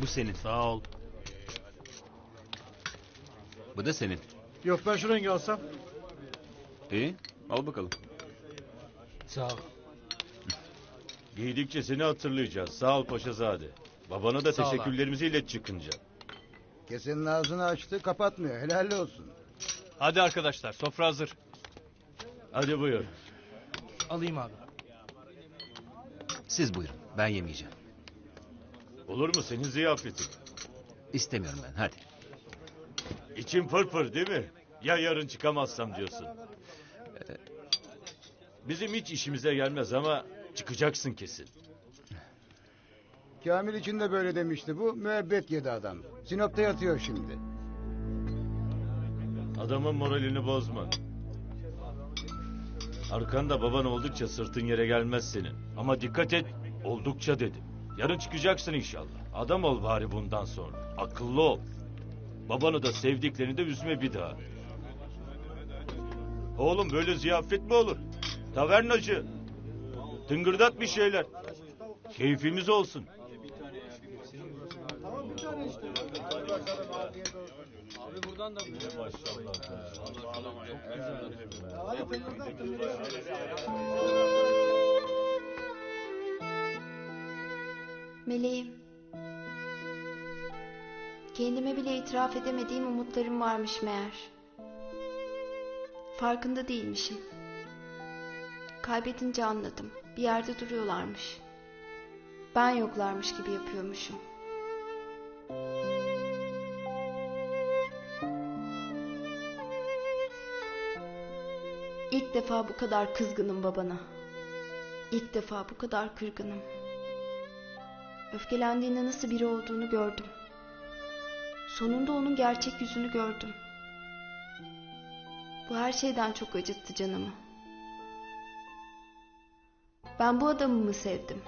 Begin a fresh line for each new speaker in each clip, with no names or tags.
Bu senin.
Sağ ol.
Bu da senin.
Yok ben şu rengi alsam.
İyi. Al bakalım.
Sağ ol.
Giydikçe seni hatırlayacağız. Sağ ol Paşazade. Babana da
Sağ ol abi.
teşekkürlerimizi ilet çıkınca.
Kesenin ağzını açtı, kapatmıyor. Helal olsun.
Hadi arkadaşlar, sofra hazır.
Hadi buyur.
Alayım abi.
Siz buyurun. Ben yemeyeceğim.
Olur mu senin ziyafetin?
İstemiyorum ben. Hadi.
İçin pırpır değil mi? Ya yarın çıkamazsam diyorsun. Bizim hiç işimize gelmez ama çıkacaksın kesin.
Kamil için de böyle demişti bu. Müebbet yedi adam. Sinop'ta yatıyor şimdi.
Adamın moralini bozma. Arkanda baban oldukça sırtın yere gelmez senin. Ama dikkat et, oldukça dedim. Yarın çıkacaksın inşallah. Adam ol bari bundan sonra. Akıllı ol. Babanı da sevdiklerini de üzme bir daha. Oğlum böyle ziyafet mi olur? Tavernacı. Tıngırdat bir şeyler. Keyfimiz olsun.
Meleğim. Kendime bile itiraf edemediğim umutlarım varmış meğer. Farkında değilmişim. Kaybedince anladım. Bir yerde duruyorlarmış. Ben yoklarmış gibi yapıyormuşum. İlk defa bu kadar kızgınım babana. İlk defa bu kadar kırgınım. Öfkelendiğinde nasıl biri olduğunu gördüm. Sonunda onun gerçek yüzünü gördüm. Bu her şeyden çok acıttı canımı. Ben bu adamı mı sevdim?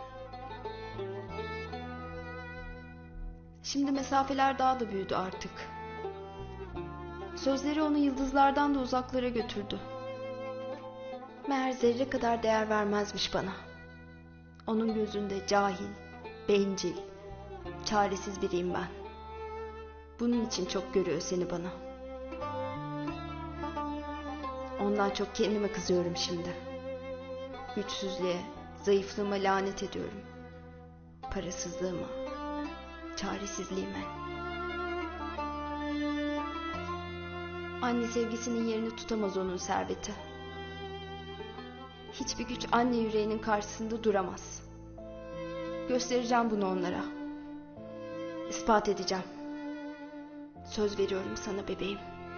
Şimdi mesafeler daha da büyüdü artık. Sözleri onu yıldızlardan da uzaklara götürdü. Meğer zerre kadar değer vermezmiş bana. Onun gözünde cahil, bencil, çaresiz biriyim ben. Bunun için çok görüyor seni bana. Ondan çok kendime kızıyorum şimdi. Güçsüzlüğe, zayıflığıma lanet ediyorum. Parasızlığıma, çaresizliğime. Anne sevgisinin yerini tutamaz onun serveti. Hiçbir güç anne yüreğinin karşısında duramaz. Göstereceğim bunu onlara. İspat edeceğim. Söz veriyorum sana bebeğim.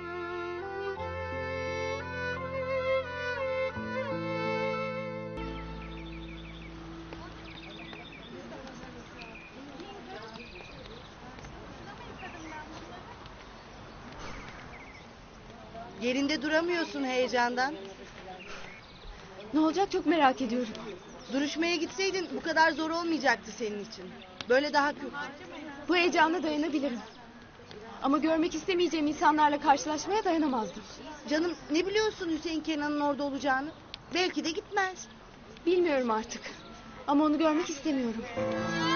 Yerinde duramıyorsun heyecandan.
Ne olacak çok merak ediyorum.
Duruşmaya gitseydin bu kadar zor olmayacaktı senin için. Böyle daha kötü.
Bu heyecana dayanabilirim. Ama görmek istemeyeceğim insanlarla karşılaşmaya dayanamazdım.
Canım ne biliyorsun Hüseyin Kenan'ın orada olacağını? Belki de gitmez.
Bilmiyorum artık. Ama onu görmek istemiyorum.